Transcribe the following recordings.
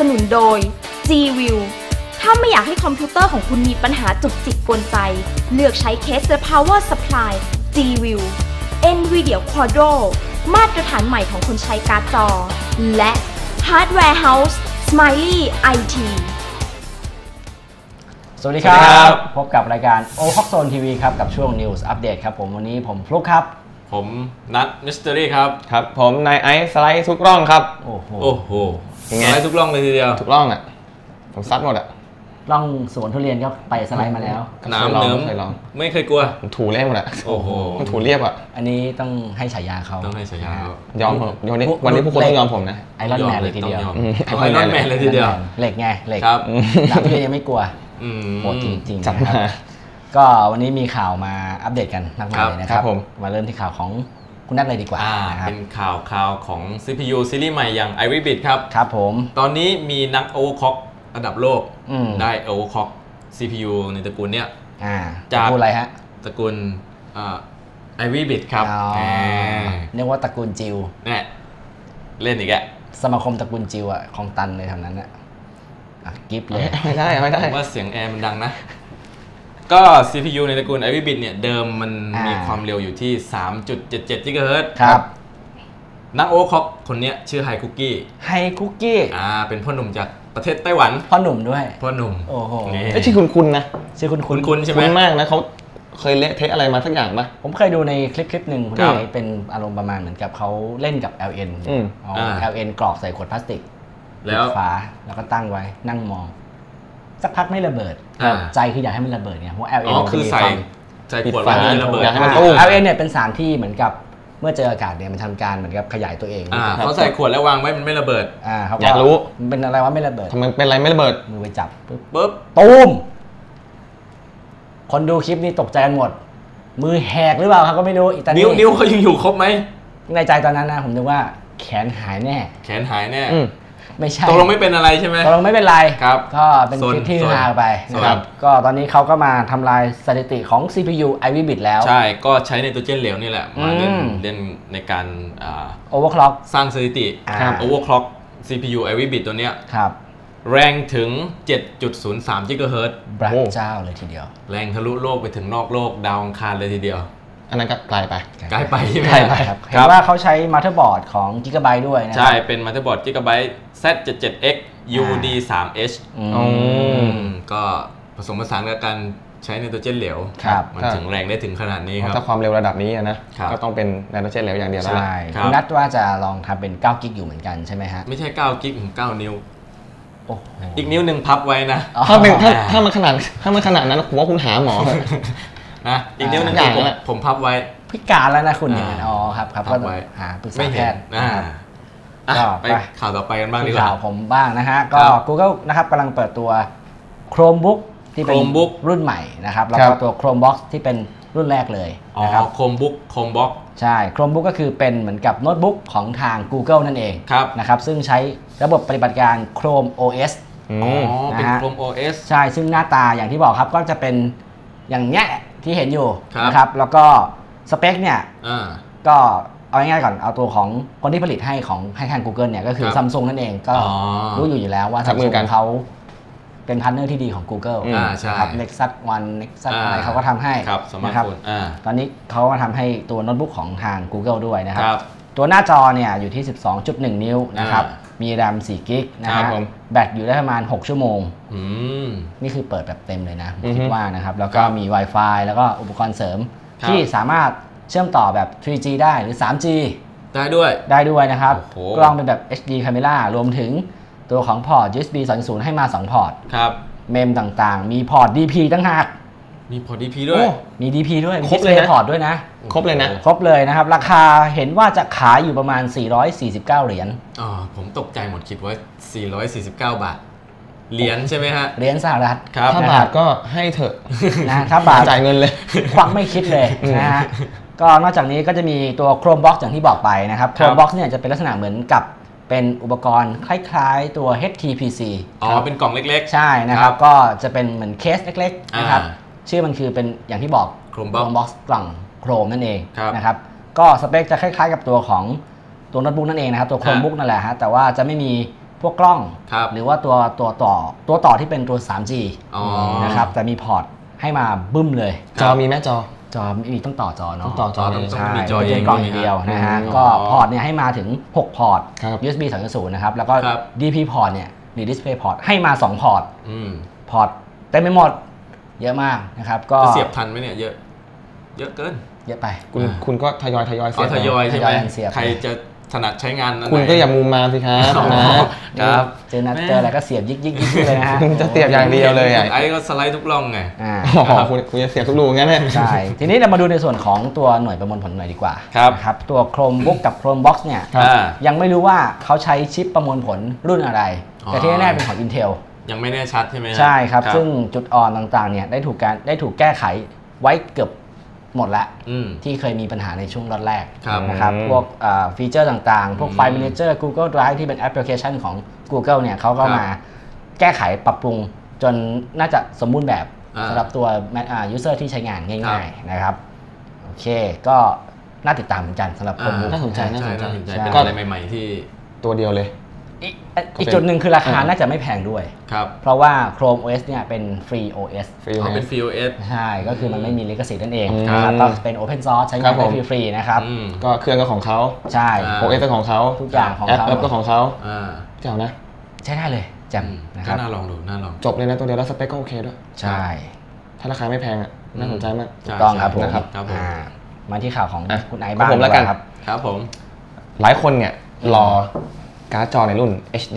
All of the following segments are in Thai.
สนุนโดย G-View ถ้าไม่อยากให้คอมพิวเตอร์ของคุณมีปัญหาจุกจิกกวนใจเลือกใช้เคส The Power Supply G-View NVIDIA Quadro มาตรฐานใหม่ของคนใช้การ์ดจอและ Hardware House Smiley IT สวัสดีครับพบกับรายการ O Hawk Zone TV ครับกับช่วง News Update ครับผมวันนี้ผมฟลุ๊กครับผมนัทมิสเตอรี่ครับครับผมนายไอซ์สไลด์ทุกร่องครับโอ้โหสไลด์ทุกร่องเลยทีเดียวทุกร่องอ่ะผมซัดหมดอ่ะร่องสวนทุเรียนก็ไปสไลด์มาแล้วน้ำเนิ้มไม่เคยกลัวผมถูเรียบหมดอ่ะโอ้โหผมถูเรียบอ่ะอันนี้ต้องให้ฉายาเขาต้องให้ฉายายอมผมวันนี้พวกคนต้องยอมผมนะไอรอนแมนเลยทีเดียวไอรอนแมนเลยทีเดียวเหล็กไงเหล็กครับน้ำทุเรียนยังไม่กลัวโหดจริงๆจัดมาก็วันนี้มีข่าวมาอัปเดตกันมากมายเลยนะครับมาเริ่มที่ข่าวของคุณนัทเลยดีกว่าเป็นข่าวของ CPU ซีรีส์ใหม่อย่าง Ivy Bit ครับครับผมตอนนี้มีนักโอเวอร์คล็อกระดับโลกได้โอเวอร์คล็อก CPU ในตระกูลเนี้ยจากอะไรฮะตระกูลIvy Bit ครับเรียกว่าตระกูลจิวเนี่ยเล่นอีกแกสมาคมตระกูลจิวอะของตันเลยทำนั้นอะกิฟต์เลยไม่ได้ผมว่าเสียงแอร์มันดังนะก็ CPU ในตระกูล Ivy Bit เนี่ยเดิมมันมีความเร็วอยู่ที่ 3.77 GHz ครับนักโอเวอร์คล็อกคนนี้ชื่อไฮคุกกี้เป็นพ่อหนุ่มจากประเทศไต้หวันพ่อหนุ่มด้วยพ่อหนุ่มโอ้โหชื่อคุณนะชื่อคุณใช่ไหมคุณมากนะเขาเคยเละเทะอะไรมาสักอย่างปะผมเคยดูในคลิปหนึ่งคุณไอเป็นอารมณ์ประมาณเหมือนกับเขาเล่นกับ LN LN กรอกใส่ขวดพลาสติกแล้วฝาแล้วก็ตั้งไว้นั่งมองสักพักไม่ระเบิดใจคืออยากให้มันระเบิดเนี่ยเพราะ LN คือใส่ขวดไว้ไม่ระเบิด LN เนี่ยเป็นสารที่เหมือนกับเมื่อเจออากาศเนี่ยมันทำการเหมือนกับขยายตัวเองเขาใส่ขวดแล้ววางไว้มันไม่ระเบิดอยากรู้มันเป็นอะไรวะไม่ระเบิดทำไมเป็นอะไรไม่ระเบิดมือไปจับปุ๊บตูมคนดูคลิปนี้ตกใจกันหมดมือแหกหรือเปล่าครับก็ไม่รู้อีกแต่นิ้วเขายังอยู่ครบไหมในใจตอนนั้นนะผมนึกว่าแขนหายแน่ไม่ใช่ตกลงไม่เป็นอะไรใช่ไหมตกลงไม่เป็นไรครับก็เป็นคลิปที่ฮาไปนะครับก็ตอนนี้เขาก็มาทำลายสถิติของ CPU Ivy Bit แล้วใช่ก็ใช้ไนโตรเจนเหลวนี่แหละมาเล่นในการ overclock สร้างสถิติ overclock CPU Ivy Bit ตัวเนี้ยแรงถึง 7.03 GHz พระเจ้าเลยทีเดียวแรงทะลุโลกไปถึงนอกโลกดาวอังคารเลยทีเดียวอันนั้นก็ไกลไปใช่ไหมครับเห็นว่าเขาใช้มาเธอร์บอร์ดของ Gigabyte ด้วยนะใช่เป็นมาเธอร์บอร์ด Gigabyte Z77X UD3H ก็ผสมผสานกับการใช้ไนโตรเจนเหลวมันถึงแรงได้ถึงขนาดนี้ครับถ้าความเร็วระดับนี้นะก็ต้องเป็นไนโตรเจนเหลวอย่างเดียวแล้วใช่คุณนัทว่าจะลองทำเป็น9 กิกอยู่เหมือนกันใช่ไหมฮะไม่ใช่9 กิกถึง9 นิ้วอีกนิ้วหนึ่งพับไว้นะถ้ามันขนาดนั้นผมว่าคุณหาหมอนะอีกนิ้วนึงผมพับไว้พิการแล้วนะคุณเนี่ยครับก็หาปรึกษาแพทย์ไปข่าวต่อไปกันบ้างดีกว่าข่าวผมบ้างนะฮะก็ Google นะครับกำลังเปิดตัว Chromebook ที่เป็นรุ่นใหม่นะครับแล้วก็ตัว Chromebox ที่เป็นรุ่นแรกเลยนะครับ Chromebox ใช่ Chromebook ก็คือเป็นเหมือนกับโน้ตบุ๊กของทาง Google นั่นเองนะครับซึ่งใช้ระบบปฏิบัติการ Chrome OS เป็น Chrome OS ใช่ซึ่งหน้าตาอย่างที่บอกครับก็จะเป็นอย่างเนี้ยที่เห็นอยู่นะครับแล้วก็สเปคเนี่ยก็เอาง่ายๆก่อนเอาตัวของคนที่ผลิตให้ทาง Google เนี่ยก็คือ Samsung นั่นเองก็รู้อยู่แล้วว่า Samsung เขาเป็นพาร์ทเนอร์ที่ดีของ Google นะครับ Nexus One Nexus อะไรเขาก็ทำให้นะครับตอนนี้เขามาทำให้ตัวโน้ตบุ๊กของทาง Google ด้วยนะครับตัวหน้าจอเนี่ยอยู่ที่ 12.1 นิ้วนะครับมี RAM 4 กิกนะครับแบตอยู่ได้ประมาณ6 ชั่วโมงนี่คือเปิดแบบเต็มเลยนะผมคิดว่านะครับแล้วก็มี Wi-Fi แล้วก็อุปกรณ์เสริมที่สามารถเชื่อมต่อแบบ 3G ได้หรือ 3G ได้ด้วยนะครับกล้องเป็นแบบ HD Camera รวมถึงตัวของพอร์ต USB 2.0 ให้มา2พอร์ตเมมต่างๆมีพอร์ต DP ตั้งหากมีพอร์ต DP ด้วยมี DP ด้วยครบเลยนะพอร์ตด้วยนะครบเลยนะครับราคาเห็นว่าจะขายอยู่ประมาณ449เหรียญผมตกใจหมดคิดว่า449 บาทเหรียญใช่ไหมฮะเหรียญสหรัฐถ้าบาทก็ให้เถอะนะถ้าบาทจ่ายเงินเลยควักไม่คิดเลยนะฮะก็นอกจากนี้ก็จะมีตัว Chromebox อย่างที่บอกไปนะครับ Chromebox เนี่ยจะเป็นลักษณะเหมือนกับเป็นอุปกรณ์คล้ายๆตัว HTPC เป็นกล่องเล็กๆใช่นะครับก็จะเป็นเหมือนเคสเล็กๆนะครับชื่อมันคือเป็นอย่างที่บอก Chromebox กล่องโครมนั่นเองนะครับก็สเปคจะคล้ายๆกับตัวของตัวโน้ตบุ๊กนั่นเองนะครับตัว Chromebook นั่นแหละฮะแต่ว่าจะไม่มีพวกกล้องหรือว่าตัวต่อที่เป็นตัว 3G นะครับแต่มีพอร์ตให้มาบึ้มเลยจอมีไหมจอมีต้องต่อจอเนาะต่อจอใช่ไม่ใช่กล้องอย่างเดียวนะฮะก็พอร์ตเนี่ยให้มาถึง6พอร์ต USB 2.0 นะครับแล้วก็ DP พอร์ตเนี่ยหรือ Display พอร์ตให้มา2พอร์ตพอร์ตเต็มไปหมดเยอะมากนะครับก็เสียบทันไหมเนี่ยเยอะเกินเยอะไปคุณก็ทยอยเสียบทยอยใช่ไหมใครจะถนัดใช้งานคุณก็อย่ามุมมาสิครับนะครับเจออะไรก็เสียบยิกเลยนะฮะจะเสียบอย่างเดียวเลยไอ้ก็สไลด์ทุกร่องไงคุณจะเสียบทุกรูงั้นใช่ทีนี้เรามาดูในส่วนของตัวหน่วยประมวลผลหน่อยดีกว่าครับตัว Chromebook กับ Chromebox เนี่ยยังไม่รู้ว่าเขาใช้ชิปประมวลผลรุ่นอะไรแต่ที่แน่ๆเป็นของ Intel ยังไม่แน่ชัดใช่ไหมใช่ครับซึ่งจุดอ่อนต่างๆเนี่ยได้ถูกแก้ไขไว้เกือบหมดแล้วที่เคยมีปัญหาในช่วงแรกนะครับพวกฟีเจอร์ต่างๆพวกไฟล์ Manager Google Drive ที่เป็นแอปพลิเคชันของ Google เนี่ยเขาก็มาแก้ไขปรับปรุงจนน่าจะสมบูรณ์แบบสำหรับตัว user ที่ใช้งานง่ายๆนะครับโอเคก็น่าติดตามเหมือนกันสำหรับคนน่าสนใจเป็นอะไรใหม่ๆที่ตัวเดียวเลยอีกจุดหนึ่งคือราคาน่าจะไม่แพงด้วยเพราะว่า Chrome OS เนี่ยเป็น Free OS เป็น Free OS ใช่ก็คือมันไม่มีลิขสิทธิ์นั่นเองนะครับก็เป็น Open Source ใช้งานได้ฟรีๆนะครับก็เครื่องก็ของเขาใช่ OS ก็ของเขาทุกอย่างของเขาแอปก็ของเขาเจ๋งนะใช้ได้เลยแจ่มนะครับน่าลองดูน่าลองจบเลยนะตัวเดียวแล้วสเปคก็โอเคด้วยใช่ถ้าราคาไม่แพงน่าสนใจมากถูกต้องครับผมมาที่ข่าวของคุณไอบ้างแล้วกันครับผมหลายคนเนี่ยรอการ์ดจอในรุ่น HD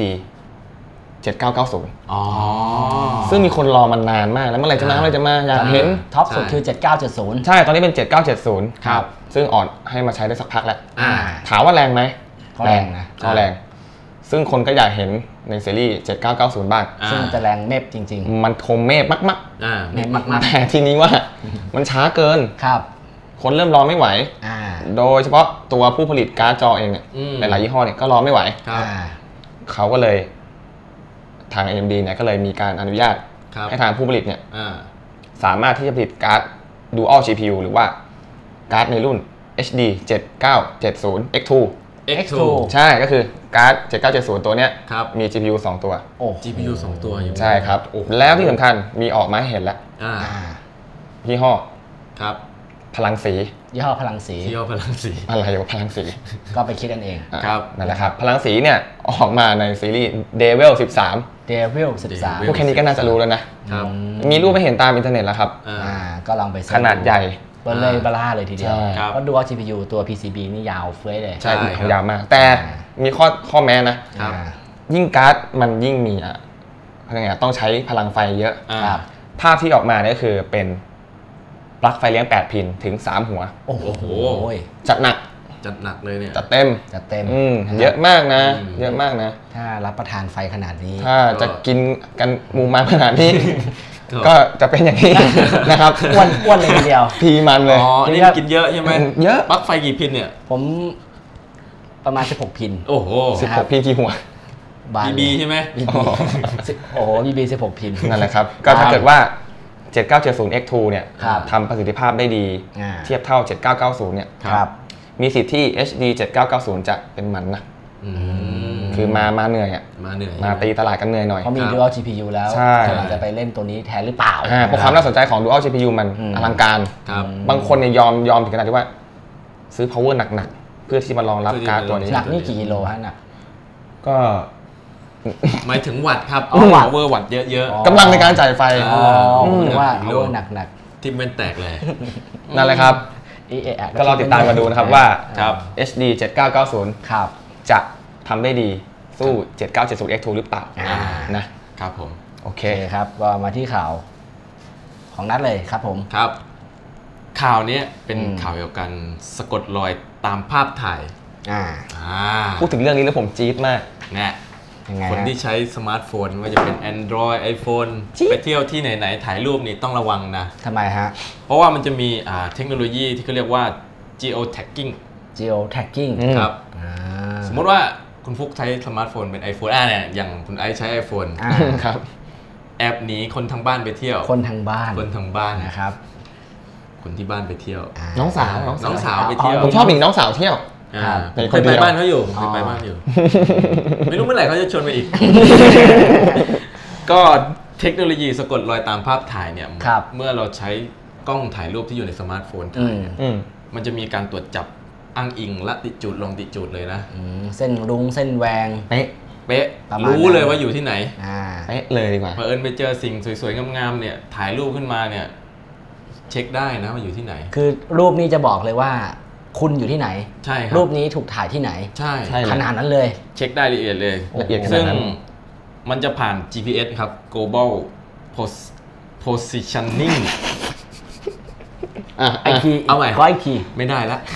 7990ซึ่งมีคนรอมันนานมากแล้วเมื่อไหร่จะมาอยากเห็นท็อปสุดคือ7970 ใช่ตอนนี้เป็น7970ครับซึ่งออนให้มาใช้ได้สักพักแล้วถามว่าแรงไหมแรงนะแรงซึ่งคนก็อยากเห็นในซีรีส์7990บ้างซึ่งจะแรงเมฟจริงๆมันคมเมฟมากๆแต่ทีนี้ว่ามันช้าเกินครับคนเริ่มรอไม่ไหวโดยเฉพาะตัวผู้ผลิตการ์ดจอเองเนี่ยหลายยี่ห้อเนี่ยก็รอไม่ไหวเขาก็เลยทาง AMD เนี่ยก็เลยมีการอนุญาตให้ทางผู้ผลิตเนี่ยสามารถที่จะผลิตการ์ด Dual GPU หรือว่าการ์ดในรุ่น HD 7970 X2 ใช่ก็คือการ์ด7970ตัวเนี้ยมี GPU 2 ตัว GPU 2 ตัวอยู่ใช่ครับแล้วที่สำคัญมีออกมาให้เห็นแล้วยี่ห้อครับพลังสียี่ห้อพลังสีอะไรวะพลังสีก็ไปคิดกันเองครับนั่นแหละครับพลังสีเนี่ยออกมาในซีรีส์ Devil 13 พวกแค่นี้ก็น่าจะรู้แล้วนะมีรูปให้เห็นตามอินเทอร์เน็ตแล้วครับก็ลองไปขนาดใหญ่เบลเลยบลาเลยทีเดียวเพราะดูว่า GPU ตัว PCB นี่ยาวเฟ้ยเลยใช่ยาวมากแต่มีข้อแม้นะยิ่งการ์ดมันยิ่งมีต้องใช้พลังไฟเยอะภาพที่ออกมาเนี่ยคือเป็นปลั๊กไฟเลี้ยง8พินถึง3หัวโอ้โหจัดหนักเลยเนี่ยจัดเต็มเยอะมากนะถ้ารับประทานไฟขนาดนี้ถ้าจะกินกันมูมาขนาดนี้ก็จะเป็นอย่างนี้นะครับอ้วนเลยทีเดียวพีมันเลยนี่กินเยอะใช่ไหมเยอะปลั๊กไฟกี่พินเนี่ยผมประมาณ16พินโอ้โห 16พินกี่หัว BB ใช่ไหมโอ้โห BB 16พินนั่นแหละครับก็ถ้าเกิดว่า7970 X2 เนี่ยทำประสิทธิภาพได้ดีเทียบเท่า7990เนี่ยมีสิทธิ์ที่ HD 7990จะเป็นมันนะคือมาเหนื่อยมาตีตลาดกันเหนื่อยหน่อยเพราะมี Dual GPU แล้วอาจจะไปเล่นตัวนี้แทนหรือเปล่าเพราะความน่าสนใจของ Dual GPU มันอลังการบางคนเนี่ยยอมถึงขนาดที่ว่าซื้อ power หนักๆเพื่อที่มารองรับการ์ดตัวนี้หนักนี่กี่กิโลฮะหนักก็หมายถึงวัตต์ครับpower วัตต์เยอะๆกำลังในการจ่ายไฟหรือว่า power หนักที่มันแตกเลยนั่นแหละครับก็รอติดตามกันดูนะครับว่า HD 7990จะทำได้ดีสู้7970 X2 หรือเปล่านะครับผมโอเคครับก็มาที่ข่าวของนัทเลยครับผมครับข่าวนี้เป็นข่าวเกี่ยวกับการสะกดรอยตามภาพถ่ายพูดถึงเรื่องนี้แล้วผมจี๊ดมากเนี่ยคนที่ใช้สมาร์ทโฟนว่าจะเป็น Android iPhone ไปเที่ยวที่ไหนๆถ่ายรูปนี่ต้องระวังนะทำไมฮะเพราะว่ามันจะมีเทคโนโลยีที่เขาเรียกว่า geo tagging ครับสมมติว่าคุณฟุกใช้สมาร์ทโฟนเป็น iPhone เนี่ยอย่างคุณไอซ์ใช้ iPhone ครับแอบหนีคนทางบ้านไปเที่ยวคนทางบ้านนะครับคนที่บ้านไปเที่ยวน้องสาวไปเที่ยวผมชอบหนีน้องสาวเที่ยวเคยไปบ้านเขาอยู่เคยไปบ้านอยู่ไม่รู้เมื่อไหร่เขาจะชวนไปอีกก็เทคโนโลยีสะกดรอยตามภาพถ่ายเนี่ยเมื่อเราใช้กล้องถ่ายรูปที่อยู่ในสมาร์ทโฟนถ่ายมันจะมีการตรวจจับอ้างอิงละติจูดลงติจูดเลยนะเส้นรุ้งเส้นแวงเป๊ะรู้เลยว่าอยู่ที่ไหนเป๊ะเลยดีกว่าเผอิญไปเจอสิ่งสวยๆงามๆเนี่ยถ่ายรูปขึ้นมาเนี่ยเช็คได้นะว่าอยู่ที่ไหนคือรูปนี้จะบอกเลยว่าคุณอยู่ที่ไหนใช่รูปนี้ถูกถ่ายที่ไหนใช่ขนาดนั้นเลยเช็คได้ละเอียดเลยซึ่งมันจะผ่าน GPS ครับ Global Positioning ไอทีเอาใหม่ก็ไอทีไม่ได้ละ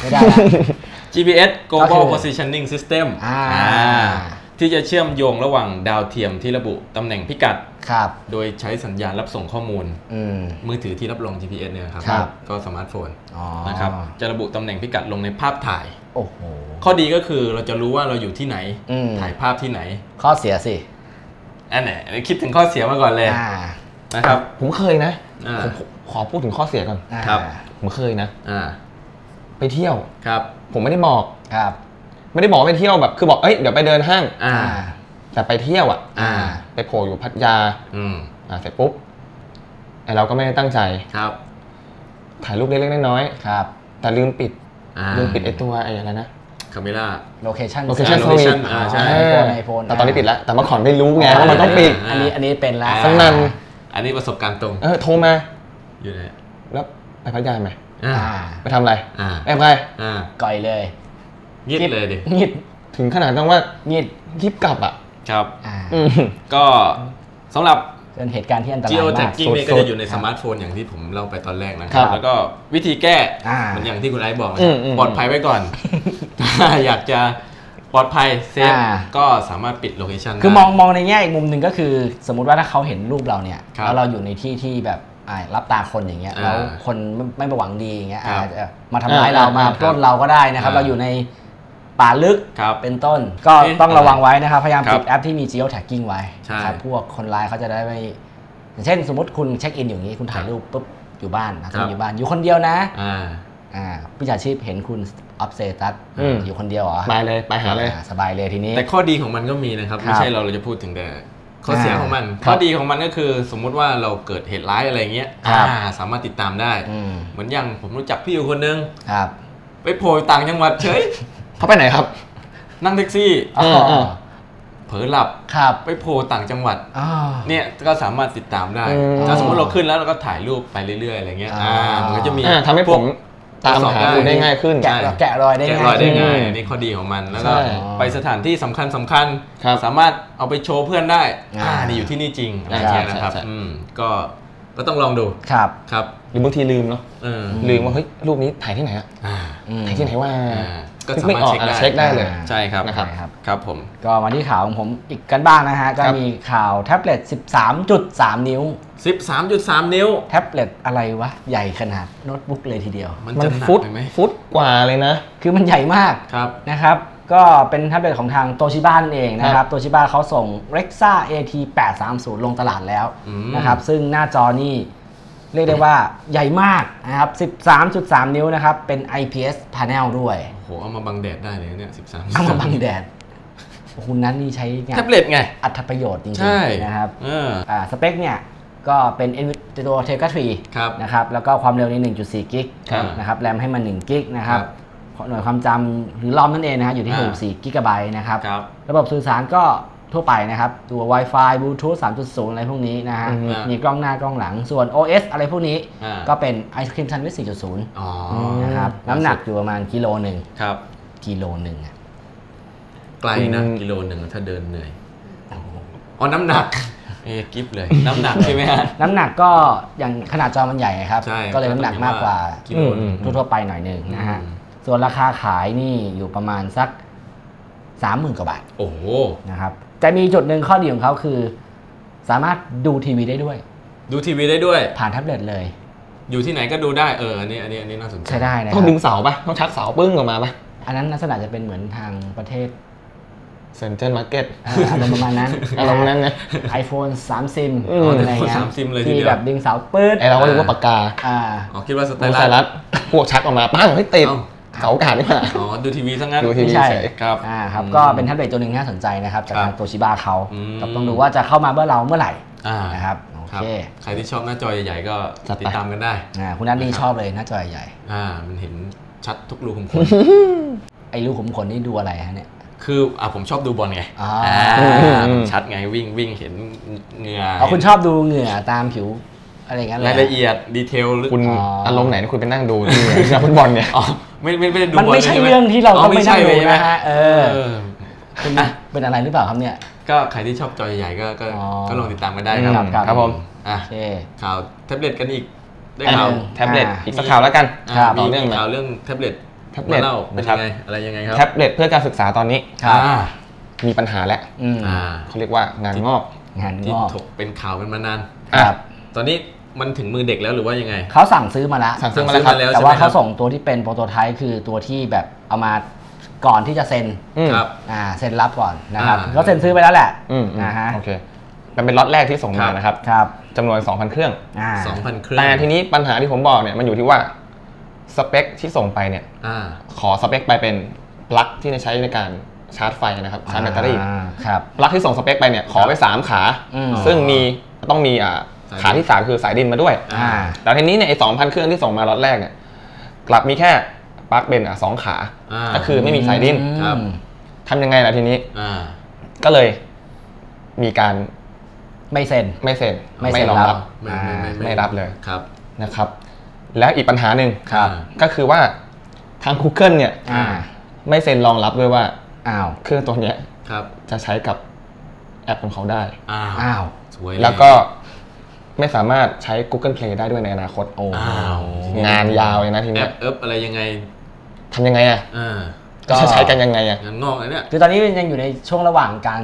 GPS Global Positioning System ที่จะเชื่อมโยงระหว่างดาวเทียมที่ระบุตำแหน่งพิกัดโดยใช้สัญญาณรับส่งข้อมูลมือถือที่รับรอง GPS เนี่ยครับก็สมาร์ทโฟนนะครับจะระบุตำแหน่งพิกัดลงในภาพถ่ายข้อดีก็คือเราจะรู้ว่าเราอยู่ที่ไหนถ่ายภาพที่ไหนข้อเสียสิอันไหนคิดถึงข้อเสียมาก่อนเลยนะครับผมเคยนะผมขอพูดถึงข้อเสียก่อนครับผมเคยนะไปเที่ยวครับผมไม่ได้บอกไม่ได้บอกไปเที่ยวแบบคือบอกเดี๋ยวไปเดินห้างแต่ไปเที่ยวไปโผล่อยู่พัทยาเสร็จปุ๊บเราก็ไม่ได้ตั้งใจครับถ่ายรูปเล็กๆน้อยๆครับแต่ลืมปิดไอ้ตัวอะไรนะคาเมล่าโลเคชั่นสวิตช์ใช่แต่ตอนนี้ปิดแล้วแต่เมื่อก่อนไม่รู้ไงว่ามันต้องปิดอันนี้เป็นแล้วสักนั้นอันนี้ประสบการณ์ตรงโทรมาอยู่ไหนแล้วไปพัทยาไหมไปทำอะไรไปก่อยเลยงิดเลยดิงิดถึงขนาดต้องว่างิดยิบกลับครับก็สำหรับเป็นเหตุการณ์ที่อันตรายมาก Geotagging นี่ก็จะอยู่ในสมาร์ทโฟนอย่างที่ผมเล่าไปตอนแรกนะครับแล้วก็วิธีแก้มันอย่างที่คุณไอซ์บอกปลอดภัยไว้ก่อนถ้าอยากจะปลอดภัยเซฟก็สามารถปิดโลเคชันคือมองในแง่อีกมุมหนึ่งก็คือสมมุติว่าถ้าเขาเห็นรูปเราเนี่ยแล้วเราอยู่ในที่ที่แบบรับตาคนอย่างเงี้ยแล้วคนไม่หวังดีอย่างเงี้ยอาจจะมาทำร้ายเรามาปล้นเราก็ได้นะครับเราอยู่ในป่าลึกเป็นต้นก็ต้องระวังไว้นะครับพยายามปิดแอปที่มี Geotagging ไว้ครับพวกคนร้ายเขาจะได้ไม่อย่างเช่นสมมติคุณเช็คอินอย่างนี้คุณถ่ายรูปปุ๊บอยู่บ้านอยู่บ้านอยู่คนเดียวนะวิชาชีพเห็นคุณอัพเซตัสอยู่คนเดียวเหรอไปเลยไปหาเลยสบายเลยทีนี้แต่ข้อดีของมันก็มีนะครับไม่ใช่เราจะพูดถึงแต่ข้อเสียของมันข้อดีของมันก็คือสมมุติว่าเราเกิดเหตุร้ายอะไรเงี้ยสามารถติดตามได้เหมือนอย่างผมรู้จักพี่อยู่คนนึงไปโผล่ต่างจังหวัดเฉยเขาไปไหนครับนั่งแท็กซี่เผลอหลับไปโผล่ต่างจังหวัดเนี่ยก็สามารถติดตามได้ถ้าสมมติเราขึ้นแล้วเราก็ถ่ายรูปไปเรื่อยๆอะไรเงี้ยมันก็จะมีทำให้ผมตามหาได้ง่ายขึ้นแกะรอยได้ง่ายนี่ข้อดีของมันแล้วก็ไปสถานที่สำคัญสามารถเอาไปโชว์เพื่อนได้นี่อยู่ที่นี่จริงอะไรเงี้ยนะครับก็ต้องลองดูครับหรือบางทีลืมเนาะลืมว่าเฮ้ยรูปนี้ถ่ายที่ไหนถ่ายที่ไหนว่าก็สามารถเช็คได้เลยใช่ครับครับผมก็มาที่ข่าวของผมอีกกันบ้างนะฮะก็มีข่าวแท็บเล็ต 13.3 นิ้ว 13.3 นิ้วแท็บเล็ตอะไรวะใหญ่ขนาดโน้ตบุ๊กเลยทีเดียวมันฟุตกว่าเลยนะคือมันใหญ่มากนะครับก็เป็นแท็บเล็ตของทางโตชิบ้านั่นเองนะครับโตชิบ้าเขาส่ง Rexa AT830 ลงตลาดแล้วนะครับซึ่งหน้าจอนี่เรียกได้ว่าใหญ่มากนะครับ 13.3 นิ้วนะครับเป็น IPS panel ด้วยโอ้โหเอามาบังแดดได้เลยเนี่ย13 เอามาบังแดดคุณนั้นนี่ใช้งานแท็บเล็ตไงอัตประโยชน์จริงๆนะครับสเปคเนี่ยก็เป็น ตัว Tegra 3นะครับแล้วก็ความเร็วใน 1.4 กิกนะครับแรมให้มัน1กิกนะครับหน่วยความจำหรือรอมนั่นเองนะฮะอยู่ที่64กิกะไบต์นะครับระบบสื่อสารก็ทั่วไปนะครับตัว Wi-Fi Bluetooth 3.0 อะไรพวกนี้นะฮะมีกล้องหน้ากล้องหลังส่วน OS อะไรพวกนี้ก็เป็น Ice Cream Sandwich 4.0 นะครับน้ำหนักอยู่ประมาณกิโลหนึ่งกิโลหนึ่งไกลนะกิโลหนึ่งถ้าเดินเหนื่อยน้ำหนักกิฟเลยน้ำหนักใช่ไหมฮะน้ำหนักก็อย่างขนาดจอมันใหญ่ครับก็เลยน้ำหนักมากกว่าทั่วไปหน่อยนึงนะฮะส่วนราคาขายนี่อยู่ประมาณสัก 30,000 กว่าบาทโอ้โหนะครับจะมีจุดหนึ่งข้อดีของเขาคือสามารถดูทีวีได้ด้วยผ่านแท็บเล็ตเลยอยู่ที่ไหนก็ดูได้อันนี้น่าสนใจใช่ได้นะต้องดึงเสาป่ะต้องชักเสาปึ้งออกมาป่ะอันนั้นลักษณะจะเป็นเหมือนทางประเทศเซ็นเตอร์มาร์เก็ตประมาณนั้นiPhone 3 ซิมอะไรเงี้ยที่แบบดึงเสาปื๊ดเราก็รู้ว่าปากกาคิดว่าสไตลัสพวกชักออกมาปั้งให้ติดเสาอากาศนี่หว่าอ๋อดูทีวีซะงั้นดูทีวีใช่ครับครับก็เป็นแท็บเล็ตตัวหนึ่งที่น่าสนใจนะครับจากทางโตชิบะเขาต้องดูว่าจะเข้ามาเมื่อไหร่นะครับโอเคใครที่ชอบหน้าจอใหญ่ๆก็ติดตามกันได้คุณนัทนี่ชอบเลยหน้าจอใหญ่มันเห็นชัดทุกรูขุมขนไอ้รูขุมขนนี่ดูอะไรฮะเนี่ยคือผมชอบดูบอลไงชัดไงวิ่งเห็นเหงื่อคุณชอบดูเหงื่อตามผิวอะไรเงี้ยรายละเอียดดีเทลคุณอารมณ์ไหนที่คุณไปนั่งดูที่ฟุตบอลเนี่ยไม่ได้ดูมันไม่ใช่เรื่องที่เราต้องไปนั่งดูนะฮะคุณเป็นอะไรหรือเปล่าครับเนี่ยก็ใครที่ชอบจอใหญ่ๆก็ลองติดตามกันได้ครับผมข่าวแท็บเล็ตกันอีกได้ข่าวแท็บเล็ตอีกสักข่าวแล้วกันมีข่าวเรื่องแท็บเล็ตเล่าเป็นยังไงอะไรยังไงครับแท็บเล็ตเพื่อการศึกษาตอนนี้มีปัญหาแล้วเขาเรียกว่างานงอกที่ถกเป็นข่าวเป็นมานานตอนนี้มันถึงมือเด็กแล้วหรือว่ายังไงเขาสั่งซื้อมาแล้วครับแต่ว่าเขาส่งตัวที่เป็นโปรโตไทป์คือตัวที่แบบเอามาก่อนที่จะเซ็นเซ็นรับก่อนนะครับเขาเซ็นซื้อไปแล้วแหละโอเคมันเป็นล็อตแรกที่ส่งมานะครับจำนวน 2,000 เครื่อง 2,000 เครื่องแต่ทีนี้ปัญหาที่ผมบอกเนี่ยมันอยู่ที่ว่าสเปคที่ส่งไปเนี่ยขอสเปคไปเป็นปลั๊กที่ใช้ในการชาร์จไฟนะครับชาร์จแบตเตอรี่ปลั๊กที่ส่งสเปคไปเนี่ยขอไป3ขาซึ่งต้องมีขาที่3คือสายดินมาด้วยแต่ทีนี้เนี่ยไอ้ 2,000 เครื่องที่ส่งมาล็อตแรกเนี่ยกลับมีแค่ปลั๊กเป็น2ขาก็คือไม่มีสายดินทำยังไงล่ะทีนี้ก็เลยมีการไม่เซ็นไม่รองรับไม่รับเลยนะครับแล้วอีกปัญหาหนึ่งก็คือว่าทาง Google เนี่ยไม่เซ็นรองรับด้วยว่าเครื่องตัวนี้จะใช้กับแอปของเขาได้แล้วก็ไม่สามารถใช้ Google Play ได้ด้วยในอนาคตงานยาวเลยนะทีนี้แอปอะไรยังไงทำยังไงก็ใช้กันยังไงงานงอกเลยเนี่ยคือตอนนี้ยังอยู่ในช่วงระหว่างการ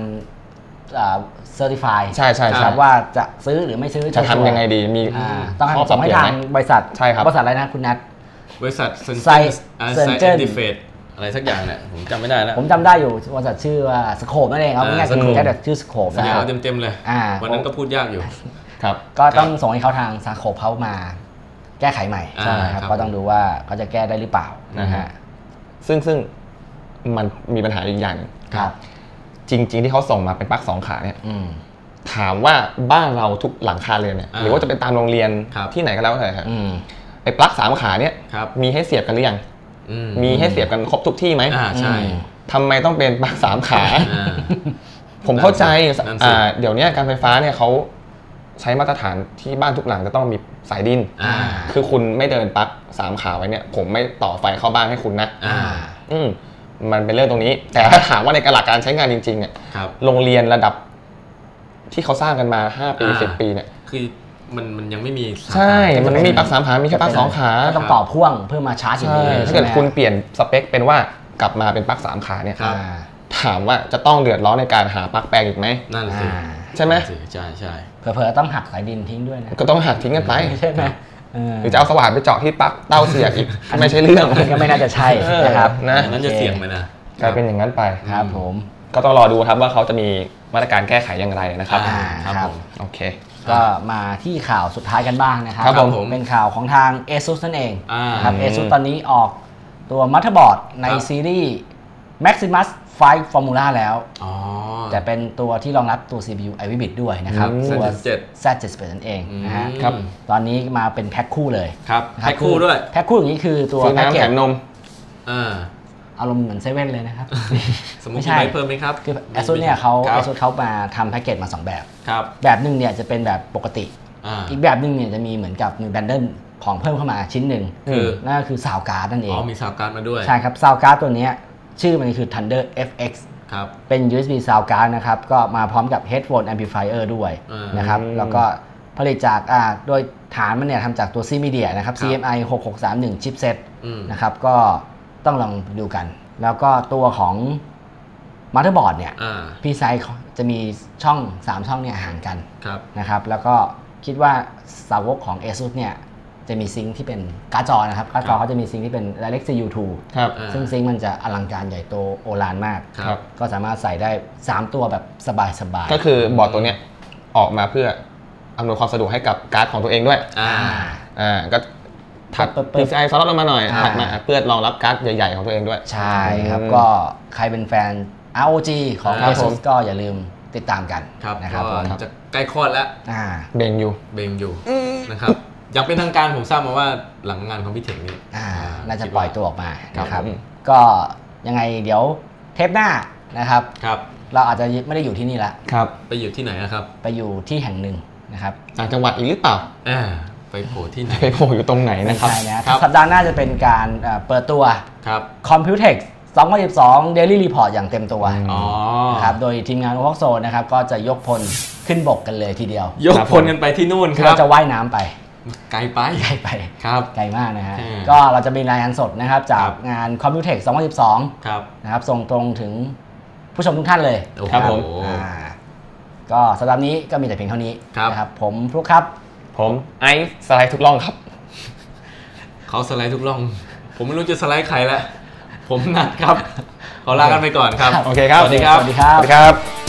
certify ใช่ครับว่าจะซื้อหรือไม่ซื้อจะทำยังไงดีมีต้องส่งให้ทางบริษัทใช่ครับบริษัทอะไรนะคุณนัทบริษัทเซนเจอร์ดิเฟตอะไรสักอย่างเนี่ยผมจำไม่ได้แล้วผมจำได้อยู่บริษัทชื่อว่าสโคปนั่นเองเอาง่ายๆแค่แบบชื่อสโคปนะเต็มเลยวันนั้นก็พูดยากอยู่ครับก็ต้องส่งให้เขาทางสโคปเขามาแก้ไขใหม่ใช่ครับก็ต้องดูว่าเขาจะแก้ได้หรือเปล่านะฮะซึ่งมันมีปัญหาอีกอย่างครับจริงๆที่เขาส่งมาเป็นปลั๊ก2ขาเนี่ยถามว่าบ้านเราทุกหลังคาเรือนเนี่ยหรือว่าจะเป็นตามโรงเรียนที่ไหนก็แล้วแต่ครับไอ้ปลั๊ก3ขาเนี่ยมีให้เสียบกันหรือยังมีให้เสียบกันครบทุกที่ไหมใช่ทำไมต้องเป็นปลั๊ก3ขาผมเข้าใจเดี๋ยวนี้การไฟฟ้าเนี่ยเขาใช้มาตรฐานที่บ้านทุกหลังจะต้องมีสายดินคือคุณไม่เดินปลั๊ก3ขาไว้เนี่ยผมไม่ต่อไฟเข้าบ้านให้คุณนะมันเป็นเรื่องตรงนี้แต่ถ้าถามว่าในหลักการใช้งานจริงๆเนี่ยโรงเรียนระดับที่เขาสร้างกันมา5 ปี10 ปีเนี่ยคือมันยังไม่มีใช่มันไม่มีปลั๊ก3ขามีแค่ปลั๊ก2ขาต้องต่อพ่วงเพื่อมาชาร์จอย่างนี้ถ้าเกิดคุณเปลี่ยนสเปคเป็นว่ากลับมาเป็นปลั๊ก3ขาเนี่ยถามว่าจะต้องเดือดร้อนในการหาปลั๊กแปลงอีกไหมนั่นสิใช่ไหมใช่เผลอๆต้องหักสายดินทิ้งด้วยนะก็ต้องหักทิ้งกันไปใช่ไหมหรือจะเอาสว่านไปเจาะที่ปลั๊กเต้าเสียบอีกไม่ใช่เรื่องก็ไม่น่าจะใช่นะครับนั้นจะเสี่ยงไหมนะกลายเป็นอย่างนั้นไปครับผมก็ต้องรอดูครับว่าเขาจะมีมาตรการแก้ไขอย่างไรนะครับครับผมโอเคก็มาที่ข่าวสุดท้ายกันบ้างนะครับเป็นข่าวของทาง ASUS นั่นเองครับ ASUS ตอนนี้ออกตัวมัธบอร์ดในซีรีส์ Maximus 5 Formula แล้วแต่เป็นตัวที่รองรับตัว CPU Ivy Bit ด้วยนะครับตัว Z71 นั่นเองนะฮะตอนนี้มาเป็นแพ็คคู่เลยครับแพ็คคู่ด้วยแพ็คคู่อย่างนี้คือตัวแพ็คเกจนมอารมณ์เหมือนเซเว่นเลยนะครับสมมติไม่เพิ่มไหมครับคือ ASUS เนี่ยASUS เขามาทำแพ็กเกจมา2แบบแบบหนึ่งเนี่ยจะเป็นแบบปกติอีกแบบหนึ่งเนี่ยจะมีเหมือนกับมีแบนเดิลของเพิ่มเข้ามาชิ้นหนึ่งนั่นก็คือซาวการ์ดนั่นเองมีซาวการ์ดมาด้วยใช่ครับซาวการ์ดตัวนี้ชื่อมันคือ Thunder FX เป็น USB sound card นะครับก็มาพร้อมกับ headphone amplifier ด้วยนะครับแล้วก็ผลิตจากโดยฐานมันเนี่ยทำจากตัว C-Media นะครับ CMI 6631 chipset นะครับก็ต้องลองดูกันแล้วก็ตัวของมัธบอร์ดเนี่ยพี่ไซส์จะมีช่อง3ช่องเนี่ยห่างกันนะครับแล้วก็คิดว่าสาวกของ ASUS เนี่ยจะมีซิงค์ที่เป็นการ์ดจอนะครับการ์ดจอเขาจะมีซิงค์ที่เป็น Direct CU2 ซึ่งซิงค์มันจะอลังการใหญ่โตโอฬารมากก็สามารถใส่ได้3ตัวแบบสบายๆก็คือบอร์ดตัวเนี้ยออกมาเพื่ออำนวยความสะดวกให้กับการ์ดของตัวเองด้วยก็ถัด PCI ซ้อนลงมาหน่อยถัดมาเพื่อรองรับการ์ดใหญ่ๆของตัวเองด้วยใช่ครับก็ใครเป็นแฟน ROG ของ ASUS ก็อย่าลืมติดตามกันนะครับผมจะใกล้คลอดแล้วเบงอยู่นะครับอย่างเป็นทางการผมทราบมาว่าหลังงานของพี่เถงนี่น่าจะปล่อยตัวออกมานะครับก็ยังไงเดี๋ยวเทปหน้านะครับเราอาจจะไม่ได้อยู่ที่นี่ละไปอยู่ที่ไหนครับไปอยู่ที่แห่งหนึ่งนะครับต่างจังหวัดอีกหรือเปล่าไปโผล่ที่ไหนไปโผล่อยู่ตรงไหนนะครับสัปดาห์หน้าจะเป็นการเปิดตัว Computex 2012 Daily Report อย่างเต็มตัวนะครับโดยทีมงาน Voxo นะครับก็จะยกพลขึ้นบกกันเลยทีเดียวยกพลกันไปที่นู่นครับเราจะว่ายน้ำไปไกลไปครับไกลมากนะฮะก็เราจะมีรายงานสดนะครับจากงาน Computex 2012นะครับส่งตรงถึงผู้ชมทุกท่านเลยครับผมก็สัปดาห์นี้ก็มีแต่เพียงเท่านี้นะครับผมฟลุ๊กครับผมไอซ์สไลด์ทุกร่องครับเขาสไลด์ทุกร่องผมไม่รู้จะสไลด์ใครแล้วผมนัดครับขอลากันไปก่อนครับโอเคครับสวัสดีครับสวัสดีครับ